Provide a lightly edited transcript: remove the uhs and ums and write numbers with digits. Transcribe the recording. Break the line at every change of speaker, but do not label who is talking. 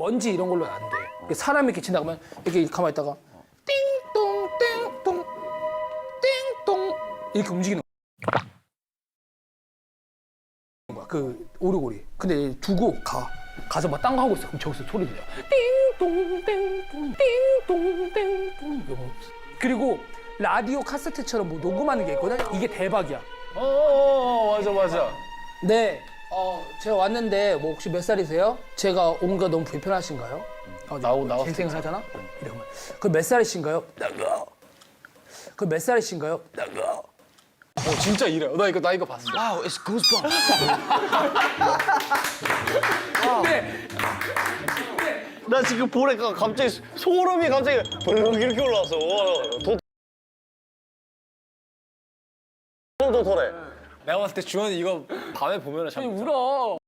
먼지 이런 걸로 안 돼. 사람이 이렇게 지나가면 이렇게 가만히 있다가 띵동 띵동 띵동 이렇게 움직이는 거야. 그 오르골이. 근데 두고 가서 막 딴 거 하고 있어. 그럼 저기서 소리 들려. 띵동 띵동 띵동 띵동. 그리고 라디오 카세트처럼 뭐 녹음하는 게 있거든. 이게 대박이야.
맞아.
네. 제가 왔는데 뭐 혹시 몇 살이세요? 제가 온 거 너무 불편하신가요?
나왔을
쟁생을 하잖아? 이러면 그 몇 살이신가요? 나가. 그 몇 살이신가요? 나가.
진짜 이래. 나 이거 봤어.
Wow, it's goosebumps.
근데
나 지금 보니까 갑자기 소름이 갑자기 벌렁 이렇게 올라왔어. 더 덜해.
내가 봤을 때 주원이 이거 밤에 보면 참
울어.